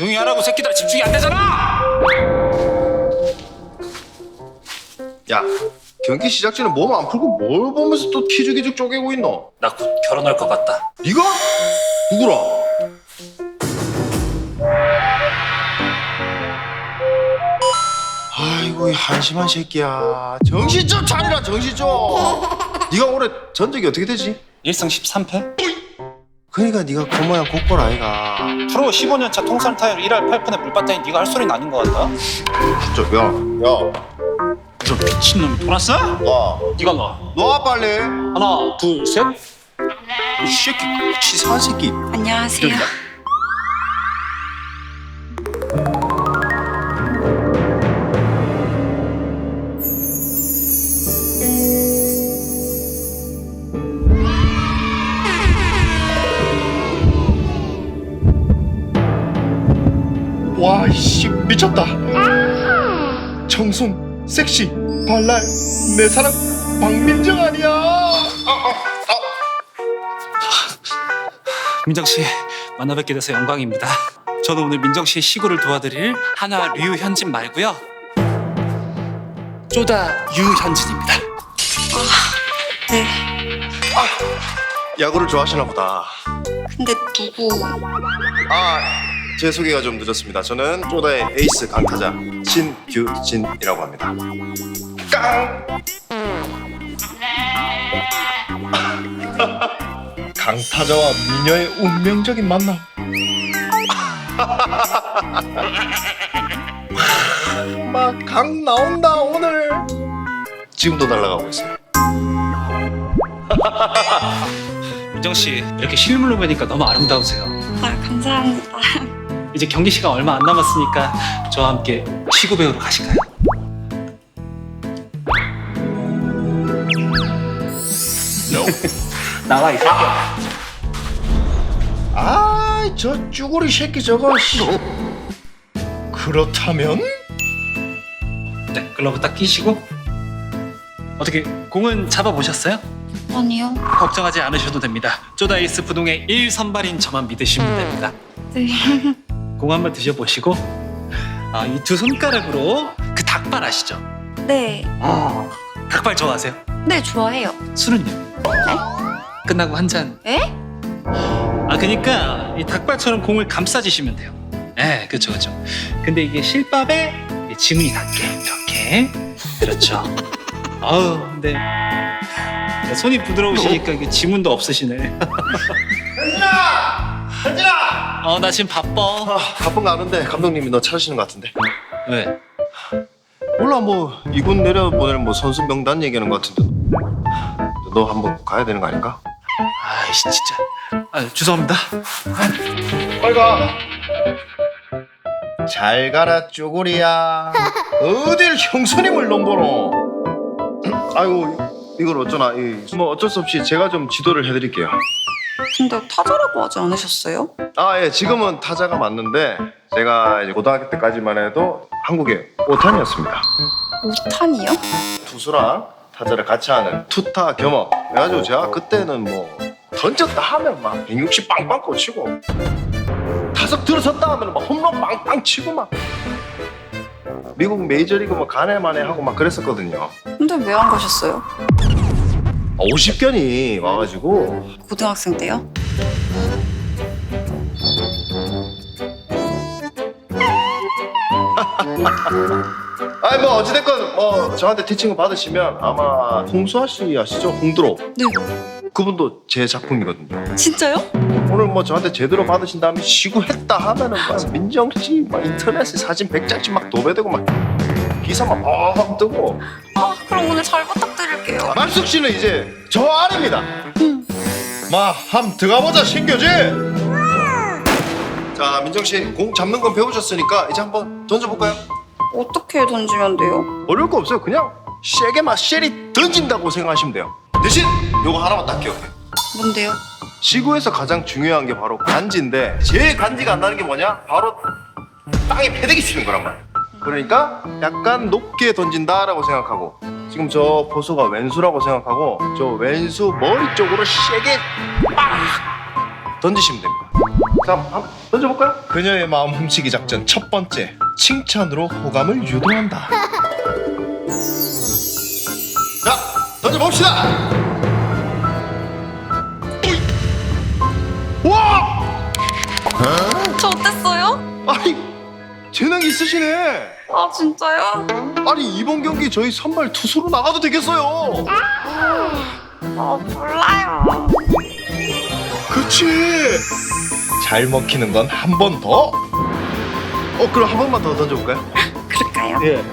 조용히 하라고. 새끼들 집중이 안 되잖아. 야, 경기 시작 전에 몸 안 풀고 뭘 보면서 또 키죽키죽 쪼개고 있노? 나 곧 결혼할 것 같다. 네가? 누구랑? 아이고 이 한심한 새끼야. 정신 좀 차리라, 정신 좀. 네가 올해 전적이 어떻게 되지? 1승 13패? 그러니까 네가 그 모양 곡벌 아이가. 프로 15년차 통산 타율 1할 8푼에 물봤다니 네가 할 소리는 아닌 것 같다. 진짜 야, 저 미친놈이 돌았어? 와, 네가 놔. 놔 빨리. 하나 둘 셋. 이 새끼 치사한 새끼. 안녕하세요. 여기다. 와, 이씨 미쳤다. 청순, 섹시, 발랄, 내 사랑 박민정 아니야? 민정 씨 만나 뵙게 돼서 영광입니다. 저는 오늘 민정 씨의 시구를 도와드릴 하나 류현진 말고요. 쪼다 유현진입니다. 네. 야구를 좋아하시나 보다. 근데 누구? 제 소개가 좀 늦었습니다. 저는 쪼다의 에이스 강타자 신규진이라고 합니다. 깡! 강타자와 미녀의 운명적인 만남. 막 강 나온다 오늘. 지금도 날아가고 있어요. 민정 씨 이렇게 실물로 뵈니까 너무 아름다우세요. 아, 감사합니다. 이제 경기 시간 얼마 안 남았으니까 저와 함께 시구 배우러 가실까요? 나와 이 새끼야. 저 쭈구리 새끼 저거. 그렇다면? 네, 글러브 딱 끼시고. 어떻게 공은 잡아보셨어요? 아니요. 걱정하지 않으셔도 됩니다. 쪼다 에이스 부동의 1선발인 저만 믿으시면 됩니다. 네. 공 한번 드셔보시고 이 두 손가락으로 그 닭발 아시죠? 네. 닭발 좋아하세요? 네, 좋아해요. 술은요? 네? 끝나고 한 잔. 에? 그러니까 이 닭발처럼 공을 감싸주시면 돼요. 네, 그렇죠. 근데 이게 실밥에 지문이 닿게 이렇게. 그렇죠. 근데 손이 부드러우시니까 이게 지문도 없으시네. 현진아! 나 지금 바빠. 바쁜 거 아는데 감독님이 너 찾으시는 것 같은데. 왜? 몰라, 뭐 이군 내려보낼 뭐 선수 명단 얘기하는 것 같은데. 너 한번 가야 되는 거 아닌가? 아이씨 진짜. 죄송합니다. 빨리 가. 잘 가라 쪼구리야. 어딜 형수님을 넘보노. 아이고 이걸 어쩌나. 뭐 어쩔 수 없이 제가 좀 지도를 해드릴게요. 근데 타자라고 하지 않으셨어요? 예, 지금은 타자가 맞는데 제가 이제 고등학교 때까지만 해도 한국의 5탄이었습니다. 5탄이요? 투수랑 타자를 같이 하는 투타 겸업. 그래가지고 제가 그때는 뭐 던졌다 하면 막 160 빵빵 꽂히고 타석 들어섰다 하면 막 홈런 빵빵 치고 막 미국 메이저리그 뭐 가네마네 하고 막 그랬었거든요. 근데 왜 안 가셨어요? 50견이 와가지고. 고등학생 때요? 뭐 어찌됐건 뭐 저한테 티칭을 받으시면 아마 홍수아 씨 아시죠? 홍드로. 네. 그분도 제 작품이거든요. 진짜요? 오늘 뭐 저한테 제대로 받으신 다음에 시구했다 하면은 막 민정 씨 막 인터넷에 사진 100장씩 막 도배되고 막 기사 막 뻥 뜨고. 그럼 오늘 잘 부탁드릴게요. 말숙 씨는 이제 저 아래입니다. 한번 들어가보자 신교지. 자, 민정 씨 공 잡는 건 배우셨으니까 이제 한번 던져볼까요? 어떻게 던지면 돼요? 어려울 거 없어요. 그냥 세게 막 쉐리 던진다고 생각하시면 돼요. 대신 요거 하나만 딱 기억해. 뭔데요? 시구에서 가장 중요한 게 바로 간지인데 제일 간지가 안 나는 게 뭐냐? 바로 땅에 패대기 치는 거란 말이야. 그러니까 약간 높게 던진다라고 생각하고 지금 저 포수가 왼수라고 생각하고 저 왼수 머리 쪽으로 세게 빡 던지시면 됩니다. 자, 한번 던져볼까요? 그녀의 마음 훔치기 작전 첫 번째, 칭찬으로 호감을 유도한다. 자, 던져봅시다. 와! 저 어땠어요? 아니, 재능이 있으시네. 아 진짜요? 아니, 이번 경기 저희 선발 투수로 나가도 되겠어요. 아 몰라요. 그치. 잘 먹히는 건 한 번 더. 그럼 한 번만 더 던져볼까요? 그럴까요? 예.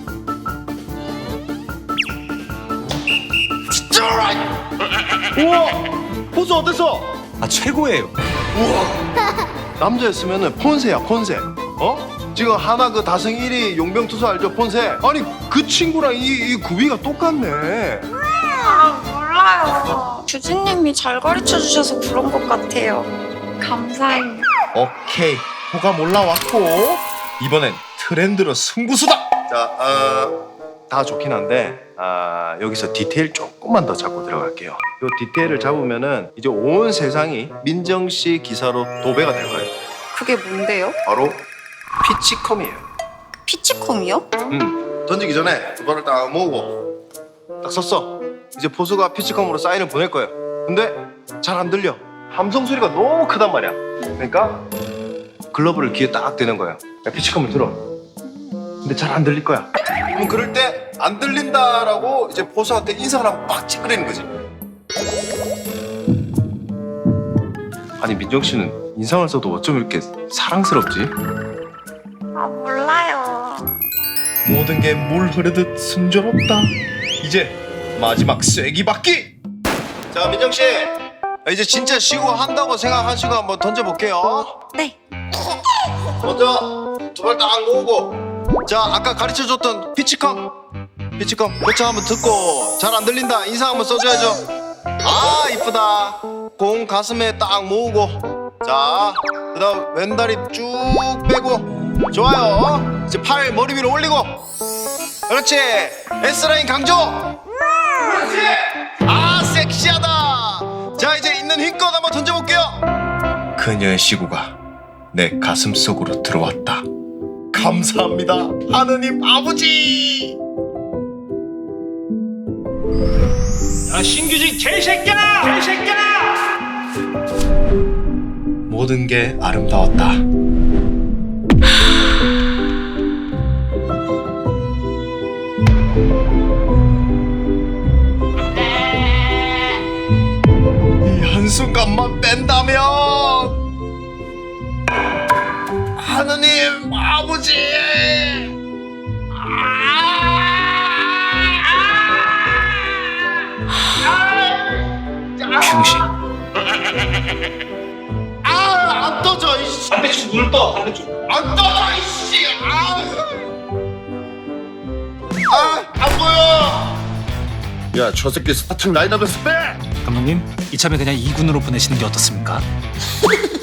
우와, 포수 어땠어? 아 최고예요. 우와, 남자였으면은 폰세야, 폰세. 지금 하나 그 다승 1위 용병 투수 알죠, 폰세? 아니 그 친구랑 이 구비가 똑같네. 아 몰라요. 주진님이 잘 가르쳐 주셔서 그런 것 같아요. 감사해요. 오케이, 호감 올라왔고 이번엔 트렌드로 승부수다. 자, 다 좋긴 한데 여기서 디테일 조금만 더 잡고 들어갈게요. 요 디테일을 잡으면은 이제 온 세상이 민정 씨 기사로 도배가 될 거예요. 그게 뭔데요? 바로 피치컴이에요. 피치콤이요? 던지기 전에 두 발을 딱 모으고 딱 섰어. 이제 포수가 피치컴으로 사인을 보낼 거예요. 근데 잘 안 들려. 함성 소리가 너무 크단 말이야. 그러니까 글러브를 귀에 딱 대는 거예요. 야, 피치컴을 들어. 근데 잘 안 들릴 거야. 그럼 그럴 때 안 들린다라고 이제 포수한테 인사를 하고 빡 찌그리는 거지. 아니 민정 씨는 인상을 써도 어쩜 이렇게 사랑스럽지? 아 몰라요. 모든 게 물 흐르듯 순조롭다. 이제 마지막 쐐기 받기. 자 민정 씨, 이제 진짜 시구 한다고 생각하시고 한번 던져볼게요. 네. 먼저 두 발 딱 모으고, 자 아까 가르쳐줬던 피치컴 요청 한번 듣고 잘 안 들린다 인상 한번 써줘야죠. 아 이쁘다. 공 가슴에 딱 모으고, 자 그다음 왼다리 쭉 빼고, 좋아요. 이제 팔 머리 위로 올리고, 그렇지. S라인 강조. 그렇지. 아 섹시하다. 자 이제 있는 힘껏 한번 던져볼게요. 그녀의 시구가 내 가슴 속으로 들어왔다. 감사합니다 하느님 아버지. 야 신규직 개새끼야! 개새끼야! 모든 게 아름다웠다. 이 한순간만 뺀다면 하느님 아버지. 병신. 안 떠져 이씨. 반대쪽 눈을 떠. 반대쪽. 안 떠져 이씨. 안 보여. 야, 저 새끼 스타팅 라인업에서 빼. 감독님 이참에 그냥 2군으로 보내시는 게 어떻습니까?